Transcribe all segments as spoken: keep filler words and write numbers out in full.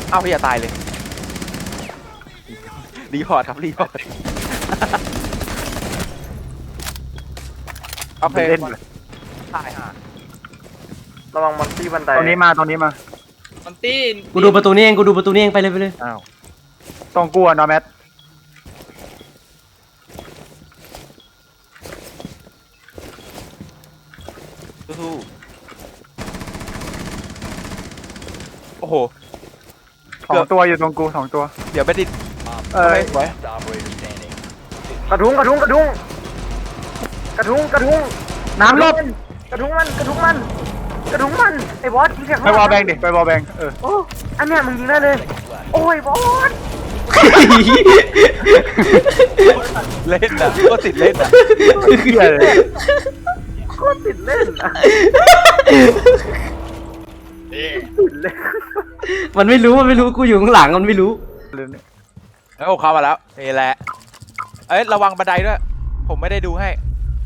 เอ้าพี่อย่าตายเลยรีพอร์ตครับรีพอร์ตโอเคเล่นตายห่าระวังมอนตี้บันไดตรงนี้มาตรงนี้มามันตีนกูดูประตูนี้เองกูดูประตูนี้เองไปเลยไปเลยอ้าวตรงกูอะนอร์แมทสู้ๆโอ้โหสองตัวอยู่ตรงกูสองตัวเดี๋ยวไม่ติดเออสวยกระทุ้งกระทุ้งกระทุ้งกระทุ้งกระทุ้งน้ำลบกระทุ้งมันกระทุ้งมันกระทุ้งมันไอ้บอสยิงแข็งไปวอลแบงดิไปวอลแบงเออโอ้อันเนี้ยมึงยิงได้เลยโอ้ยบอสเล่นอ่ะก็ติดเล่นอ่ะเฮียเลยโคตรติดเล่นอะติดเล่นมันไม่รู้มันไม่รู้กูอยู่ข้างหลังมันไม่รู้ลืมเนี่ยแล้วเข้ามาแล้วนี่แหละเอ้ยระวังบันไดด้วยผมไม่ได้ดูให้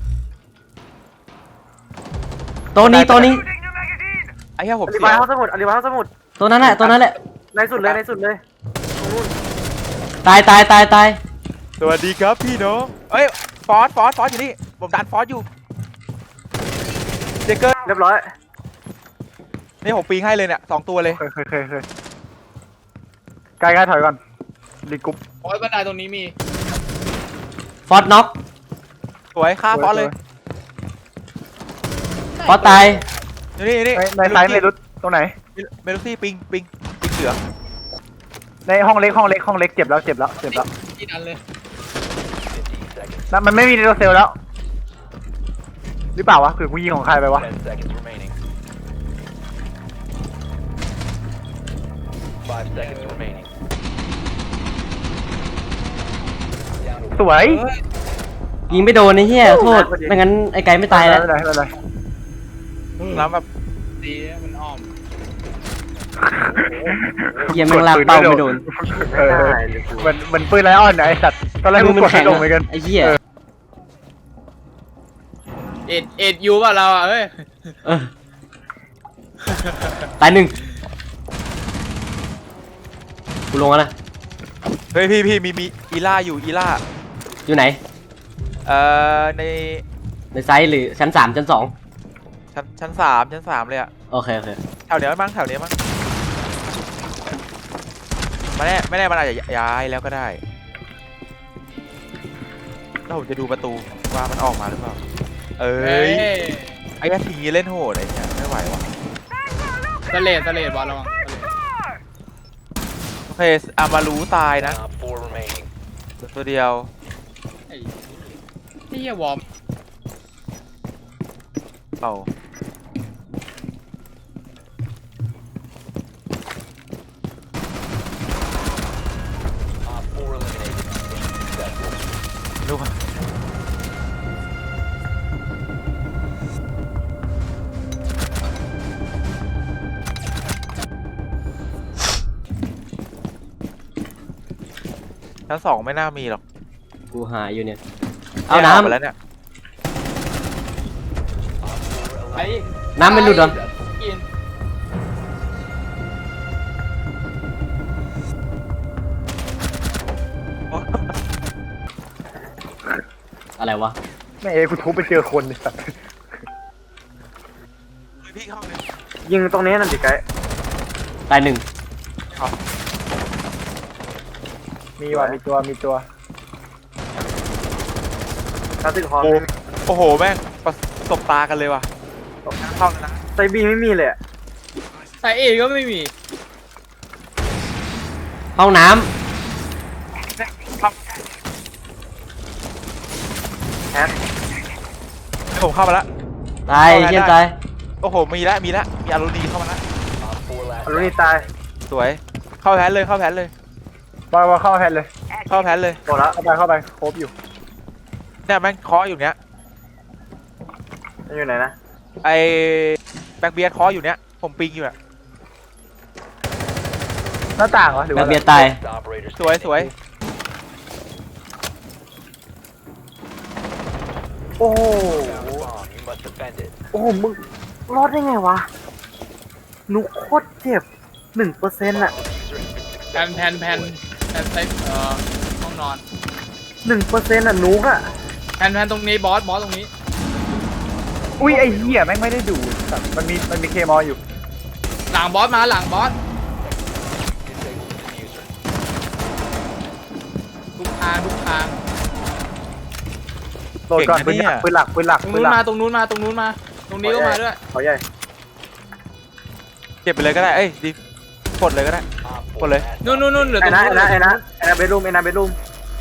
ตัวนี้ตัวนี้ไอ้เหี้ยผมอธิเสีบายยวห้องสมุดอธิบายห้องสมุดตัวนั้นแหละตัวนั้นแหละในสุดเลยในสุดเลยตรงนู้นตายตายตายตายสวัสดีครับพี่น้องเอ้ยฟอสฟอสฟอสอยู่นี่ผมดันฟอสอยู่เจเกอร์เรียบร้อยนี่ผมปีงให้เลยเนี่ยสองตัวเลยเคยเคยเคยเคยใกล้ใกล้ถอยก่อนรีกรุ๊ปโอ้ยบันไดตรงนี้มีฟอสน็อกสวยฆ่าฟอสเลยฟอสตายอยู่นี่นี่ในในซ้ายเมลุสตรงไหนเมลูซี่ปิงปิงปิงเสือในห้องเล็กห้องเล็กห้องเล็กเจ็บแล้วเจ็บแล้วเจ็บแล้วที่นั่นเลยนั่นมันไม่มีในโรเซลแล้วหรือเปล่าวะคือกูยิงของใครไปวะสวยเฮ้ยยิงไม่โดนไอ้เหี้ยโทษไม่งั้นไอ้ไก่ไม่ตายแล้วไม่เป็นไรไม่เป็นไรแล้วแบบดีนะมันอ้อมเหี้ยแม่งลากเป้าไม่โดนเออมันมันปืนไลออนนะไอสัตว์ตอนแรกมืกูอมันกดแข็ไม่งลงเหมือนกันไอ้เหี้ยเอ็ดเอ็ดยูป่ะเราอ่ะเฮ้ยเออตายหนึ่งกูลงแล้วนะเฮ้ยพี่พี่มีมีอีล่าอยู่อีล่าอยู่ไหนเอ่อในในไซส์หรือชั้นสามชั้นสองชั้นชั้นสามชั้นสามเลยอะโอเคโอเคแถวเนี้ยมั้งแถวเนี้ยมั้งไม่แน่ไม่แน่มันอาจจะย้ายแล้วก็ได้แล้วผมจะดูประตูว่ามันออกมาหรือเปล่าเอ้เฮ้ยยไอ้กระทีเล่นโหดไอ้เนี่ยไม่ไหวว่ะสเลดสเลดบอลระวังโอเคอามารู้ตายนะตัวเดียวไอ้ที่เหี้ยวอร์มเปล่าลูกอะชั้นสองไม่น่ามีหรอกกูหาอยู่เนี่ยเอาน้ไปแล้วเนี่ยไอ้ำน้ำไม่หลุดเหรอกินอะไรวะแม่เอ้กูทุบไปเจอคนไอสัตว์พี่เข้าเลยยิงตรงนี้นั่นดิไกด์ตายหนึ่งมีว่ะมีตัวมีตัวคลาสสิกฮอลโอ้โอ้โหแม่งประสบตากันเลยว่ะเข้าแล้วนะไซบีไม่มีเลยอะใส่เอ็ดก็ไม่มีห้องน้แฮกผมเข้ามาแล้วำตายเชี่ยตายโอ้โหมีแล้วมีแล้วมีอารุณีเข้ามาแล้วอรุณีตายสวยเข้าแพนเลยเข้าแพนเลยบอยบอยเข้าแพนเลยเข้าแพนเลยโดนแล้วเข้าไปเข้าไปครบอยู่เนี่ยแม่งเคาะอยู่เนี้ยมันอยู่ไหนนะไอแบ็คเบียร์เคาะอยู่เนี้ยผมปิงอยู่อะหน้าต่างเหรอหรือแบว่าบเบียร์ตายสวยสวยโอ้โหโอ้โหมึงรอดได้ไงวะนุกโคตรเจ็บหนึ่งเปอร์เซ็นต์อะแผ่นแผ่นแผ่นแผ่นใส่เอ่อห้องนอนหนึ่งเปอร์เซ็นต์อ่ะนุกอ่ะแผ่นแผ่นตรงนี้บอสบอสตรงนี้อุ้ยไอ้เหี้ยแม่งไม่ได้ดูสัตว์มันมีมันมีเคมออยู่หลังบอสมาหลังบอสทุกทางทุกทางโหลดก่อนปืนหลักปืนหลักปืนหลักตรงปืนนู้นหลัมาก ตรงนู้นมาตรงนู้นมา ตรงนี้ก็มาด้วยเขาใหญ่เก็บไปเลยก็ได้เอ้ยดิกดเลยก็ได้ กดเลยนู่นนู่นนู่นเหลือตไอ้รงนะนู้นไอ้นะไอ้นะไอ้นะเบดรูมไอ้นะเบดรูม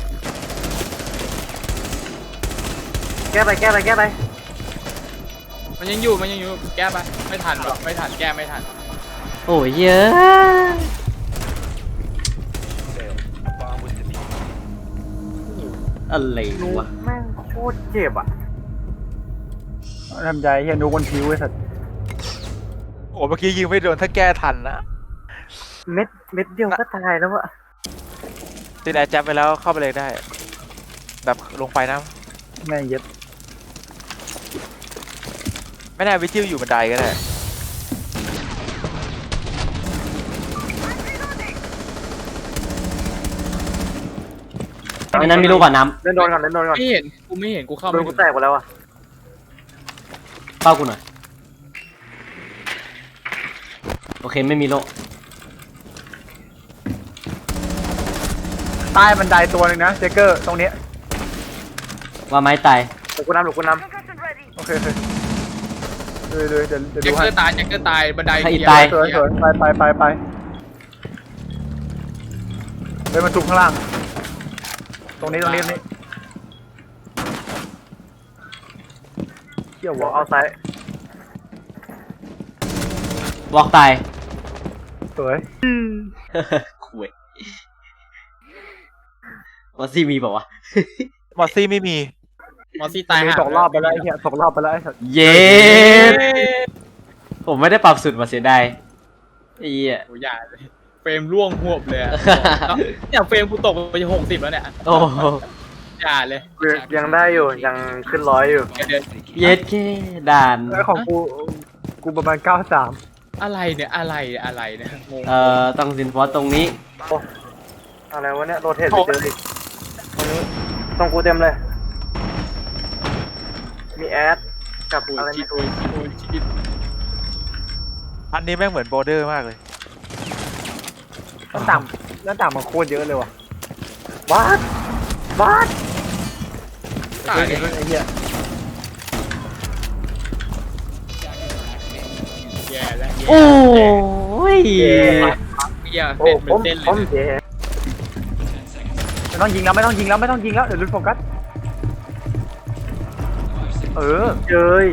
แก้ไปแก้ไปแก้ไปมันยังอยู่มันยังอยู่แก้ไปไม่ทันหรอกไม่ทันแก้ไม่ทันโอ้ยเยอะ อะไรนุกวะแม่งโคตรเจ็บอ่ะทำใจเฮียนูบนผิวไอ้สัตว์โอ้เมื่อกี้ยิงไม่โดนถ้าแก้ทันนะเม็ดเม็ดเดียวก็ตายแล้วอะติดแอร์แจ็บไปแล้วเข้าไปเลยได้ แบบลงไปนะแม่งเย็ดไม่แน่วิจิวอยู่บันไดก็ได้ไอ้นั้นมีลูกก่อนน้เล่นโดนก่อนเล่นโดนก่อนไม่เห็นกูไม่เห็นกูเข้าโดไม่นกูถึงแตกหมดแล้วอะำเป้ากูหน่อย โอเคไม่มีโลใต้บันไดตัวหนึงนะเจเกอร์ตรงนี้ว่าไม้ตายหลบกูนำหลบกูนโอเคโอเคเลยเลยเดี๋ยวเดี๋ยวแจ็ดูคเกให้อร์ตายแจ็คเกอร์ตายบันไดใครอีกเหี้ตายสวยสวยไปไปไปไปเฮ้ยมันทุกข้างล่าง ตรงนี้ตรงนี้ตรงนี้เที่ยวำวบออกลเอาซ้ายวอกตายสวยคุยว่าซี่มีเปล่าวะมอสซี่ไม่มีมอสซี่ตายมีห่าสองรอบไปแล้วไอ้เหี้ยสองรอบไปแล้วไอ้สัตว์เย็ดผมไม่ได้ปรับสุดมาเสียดายไอ้เหี้ยโอ้ยอย่าเลยเฟรมร่วงหวบเลยอะเนี่ยเฟรมกูตกไปหกสิบแล้วเนี่ยโอ้โหอย่าเลยกูยังได้อยู่ยังขึ้นร้อยอยู่เดี๋ยวเย็ดแค่ด่านแล้วของกูกูประมาณเก้าสามอะไรเนี่ยอะไรอะไรเนี่ยงงเอ่อต้องสินฟอสตรงนี้อะไรวะเนี่ยโรเทตไปเจออีกตรงนี้ตรงกูเต็มเลย มีแอดกับโอ้ยอะไรชิไม่ดรู้โอ้ยชิดอันนี้แม่งเหมือนโบเดอร์มากเลยหน้าต่างหน้าต่างมันโคตรเยอะเลยว่ะวัดวัดตายเลยไอ้เหี้ยแย่แล้วโอ้ยแย่โอ้เป็นผมเต้นเลผมยเจ๊ไม่ต้องยิงแล้วไม่ต้องยิงแล้วไม่ต้องยิงแล้วเดี๋ยวลุ้นโฟกัสเออเจย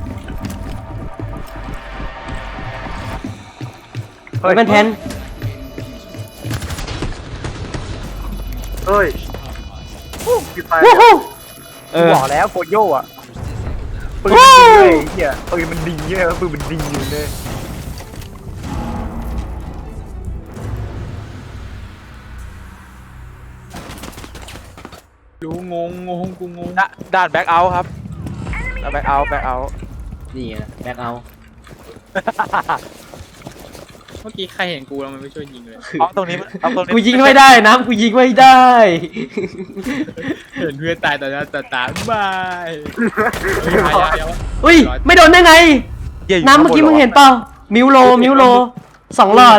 เฮ้ยเป็นแทนเฮ้ยปิดไฟวู้ฮู้เอกูอบอกแล้วโกโย่อะปืนมันดีเลยไอ้เหี้ยปืนมันดีเลยปืนมันดีอยู่เลยรู้งงงงกูงงดด่านแบ็กเอาท์ครับแบ็กเอาท์แบ็กเอาท์นี่ไงแบ็คเอาเมื่อกี้ใครเห็นกูแล้วมันไม่ช่วยยิงเลยเอาตรงนี้เอาตรงนี้กูยิงไม่ได้นะกูยิงไม่ได้เห็นเพื่อนตายต่อหน้าต่อตาบายเฮ้ยหายาวอุ้ยไม่โดนได้ไงเหี้ยยู่น้ำเมื่อกี้มึงเห็นเปล่ามิวโลมิวโลสองหลอด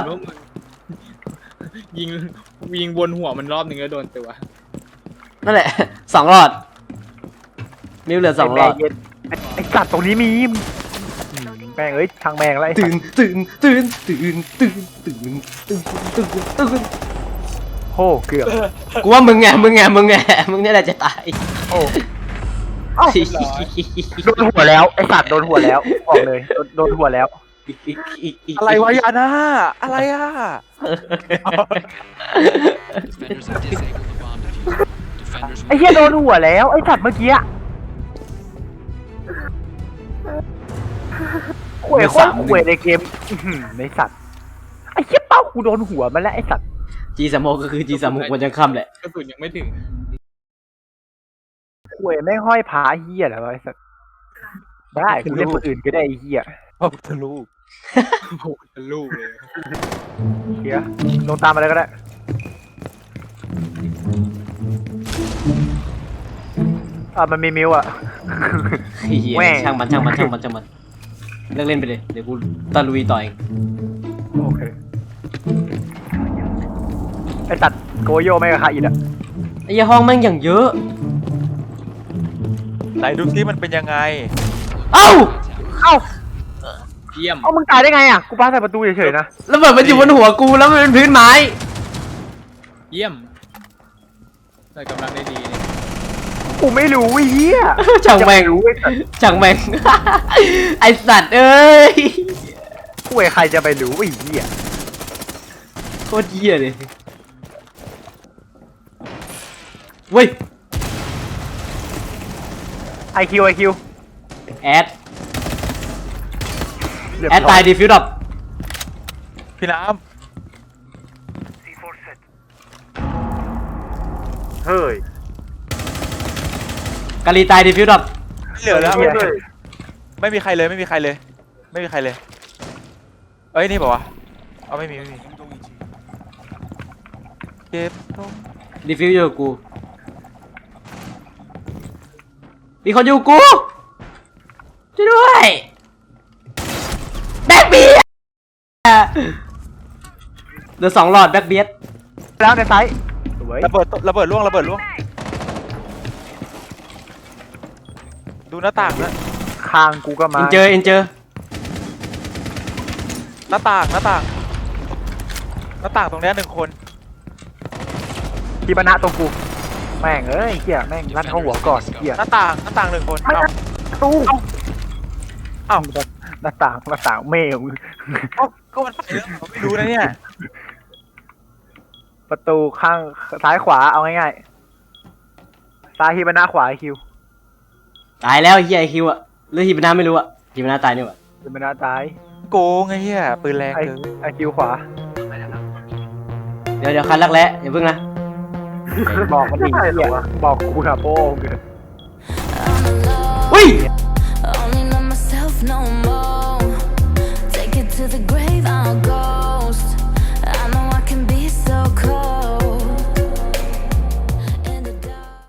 ยิงยิงวนหัวมันรอบหนึ่งแล้วโดนตัวนั่นแหละ สองหลอด มิวเหลือสองหลอดไแม่เย็นไอ้ไอ้สัตว์ตรงนี้มีมอืมแม่งเอ้ยทางแม่งแล้วไอ้สัตื่ตนว์ตื่นตื่นตื่นตื่นตื่นตื่นตื่นตื่นโอ้เกือบกูว่ามึงไงมึงไงมึงไงมึงเนี่ยแหละจะตายโอ้โดนหัวแล้วไอ้สัตว์โดนหัวแล้วบอกเลยโดนโดนหัวแล้วอะไรวะยาน่าอะไรอ่ะไอ้เหี้ยโดนหัวแล้วไอ้สัตว์เมื่อกี้อะขวยโคตรขวยในเกมอื้อหือในสัตว์ไอ้เหี้ยเป้ากูโดนหัวมันแล้วไอ้สัตว์จีสามโมก็คือจีสามโมวันยังค่ำแหละกระสุนยังไม่ถึงขวยแม่งห้อยผาเหี้ยเหรอวะไอ้สัตว์ได้กูเล่นคนอื่นก็ได้ไอ้เหี้ยโอ้ทะลุโอ้โหเป็นลูกเลยเหี้ยลงตามมาเลยก็ได้อ่ะมันมีมิวอ่ะเฮียแม่ช่างมันช่างมันช่างมันช่างมันเลิกเล่นไปเลยเดี๋ยวกูตะลุยต่อเองโอเคไอสัตว์โกโยไม่กับใครอีกอ่ะไอ้เหี้ยห้องแม่งอย่างเยอะไหนดูซิมันเป็นยังไงเอ้าเอ้าเยี่ยมเอ้ามึงตายได้ไงอ่ะกูปาใส่ประตูเฉยๆนะแล้วแบบมันอยู่บนหัวกูแล้วมันเป็นพื้นไม้เยี่ยมได้กำลังได้ดีนี่กูไม่รู้ไอ้เหี้ยช่างแม่งรู้ไอ้สัตว์ช่างแม่ง ไอสัตว์เอ้ยกูไอ้ใครจะไปรู้ไอ้เหี้ยโคตรเหี้ยเลยเว้ยไอคิวไอคิวแอดแอดตายดีฟิวดับพี่น้เฮ้ยกาลีตายดีฟิวดับำไม่เหลือแล้วเหี้ยไม่มีใครเลยไม่มีใครเลย ไม่มีใครเลย เอ้ยนี่บอกว่าเอาไม่มีไม่มีเก็บตรงดีฟิวอยู่กับกูมีคนอยู่กับกูช่วยด้วยแบ็คเบียร์เหลือสองหลอดแบ็คเบียร์แล้วในไซส์สวยระเบิดระเบิดล่วงระเบิดล่วงดูหน้าต่างนะคางกูก็มาเอ็นเจอเอ็นเจอหน้าต่างหน้าต่างหน้าต่างตรงเนี้ยหนึ่งคนทีบรรณะตรงกูแม่งเอ้ยเหี้ยแม่งลั่นเข้าหัวก่อนเหี้ยหน้าต่างหน้าต่างหนึ่งคนไม่เอ้าประตูเอ้าหน้าต่างหน้าต่างเมฆเอ้าก็มันไปแล้วผมไม่รู้นะเนี่ยประตูข้างซ้ายขวาเอาง่ายๆซ้ายทีบรรณะขวาไอคิวตายแล้วเฮียไอคิวอะหรือฮิบนาไม่รู้อะฮิบนาตายนี่หว่าทีบรรณะซ้ายโกงไงเฮียปืนแรงไอเกินไอคิวขวาเดี๋ยวเดี๋ยวคันรักแร้อย่าเพิ่งนะบอกมันดิเหี้ยบอกกูนะโป้งเกินอุ้ย Only know myself no more.